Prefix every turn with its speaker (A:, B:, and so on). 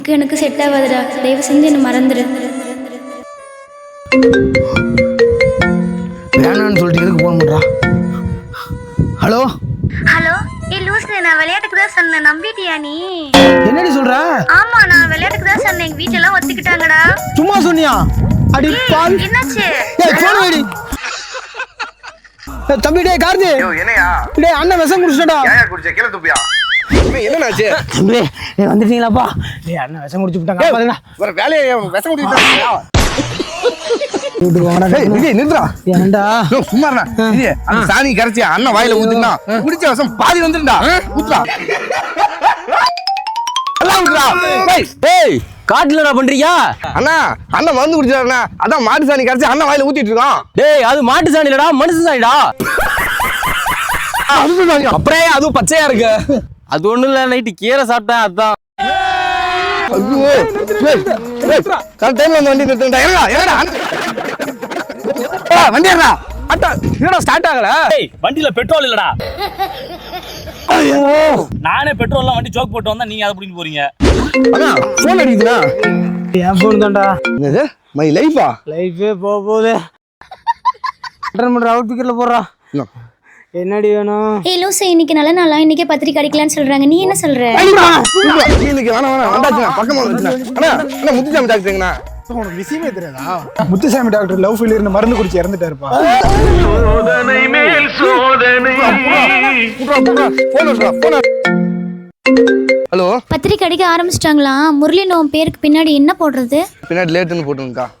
A: எனக்கு செட் ஆகாதுடா, தயவு செஞ்சு என்ன மறந்துடு.
B: வேணான்னு சொல்லிட்டு எதுக்கு போன் பண்றா? ஹலோ
A: ஹலோ, லூசு, நான் விளையாட்டுக்கு தான் சொன்னேன், நம்பிட்டியா நீ?
B: என்னடி சொல்ற?
A: ஆமா, நான் விளையாட்டுக்கு தான் சொன்னேன், எங்க வீட்ல எல்லாம் ஒத்துக்கிட்டாங்கடா.
B: சும்மா சொன்னியா? அடி பால்.
A: என்னாச்சு?
B: ஏய் போன் வைடி. தம்பி டேய் கார்த்தி.
C: என்னையா?
B: டேய் அண்ணன் விஷம் குடிச்சிட்டடா.
C: ஏயா குடிச்ச? கீழ துப்பியா? என்னன்னாச்சு?
B: தம்பி நீ வந்துட்டீங்களாப்பா? டேய் அண்ணன் விஷம் குடிச்சு விட்டாங்க. பாருங்க.
C: ஒரு வேலையை விஷம் குடிச்சிட்டாங்க.
B: வீட்டுக்கு வாடா.
C: ஏய் விஜய் நில்றா.
B: ஏன்டா?
C: சும்மா இருடா. விஜய் அந்த சாணி கரைச்சி அண்ணன் வாயில ஊத்துனா குடிச்ச விஷம் பாதி வந்துருடா. ஊத்துடா. எல்லாம் ஊத்துடா.
D: டேய் காட்டுலடா பண்றியா?
C: அண்ணா அண்ணன் மருந்து குடிச்சாருண்ணா. அதான் மாட்டு சாணி கரைச்சி அண்ணன் வாயில ஊத்திட்டு இருக்கான்.
D: டேய் அது மாட்டு சாணி இல்லடா, மனுஷ சாணிடா. அப்புறம் அதுவும் பச்சையா இருக்கு. அது ஒண்ணும் இல்ல, நைட்டு கீரை சாப்பிட்டேன் அதான்.
C: ஐயோ கரெக்ட் டைம்ல வந்து வண்டி நிறுத்தா. ஏறடா ஏறடா. வண்டி ஏறடா.
D: அட்டா என்னடா ஸ்டார்ட் ஆகல?
E: டேய் வண்டியில பெட்ரோல் இல்லடா.
B: ஐயோ
E: நானே பெட்ரோல்லாம் வண்டி ஜோக் போட்டு வந்தா நீங்க அதை பிடிக்க போறீங்க.
C: அண்ணா போன் அடிக்குதுண்ணா.
B: என் போன் தான்டா.
C: என்னது மை லைஃபா?
B: லைஃபே போகுது. அட்டன் பண்ற அவுட் பிக்கர்ல போடுறா. என்னடி வேணும்?
A: லூசு, இன்னைக்கு நல்ல நாளா, இன்னைக்கே பத்திரிக்கை அடிக்கலான்னு சொல்றாங்க, நீ என்ன சொல்ற?
C: இன்னைக்கு வேணாம் வந்தாச்சுண்ணா. பக்கமா வந்துச்சுண்ணா. அண்ணா அண்ணா முத்துச்சாமி டாக்டருங்கண்ணா.
F: உனக்கு விஷயமே தெரியாதா? முத்துசாமி டாக்டர் லவ் ஃபெயிலியர் மருந்து குடிச்சு இறந்துட்டாருப்பா.
C: ஹலோ
A: பத்திரிக்கை அடிக்க ஆரம்பிச்சிட்டாங்களா? முரளி நோம் பேருக்கு பின்னாடி என்ன போடுறது?
C: பின்னாடி லேட்டுன்னு போட்டுருங்கக்கா.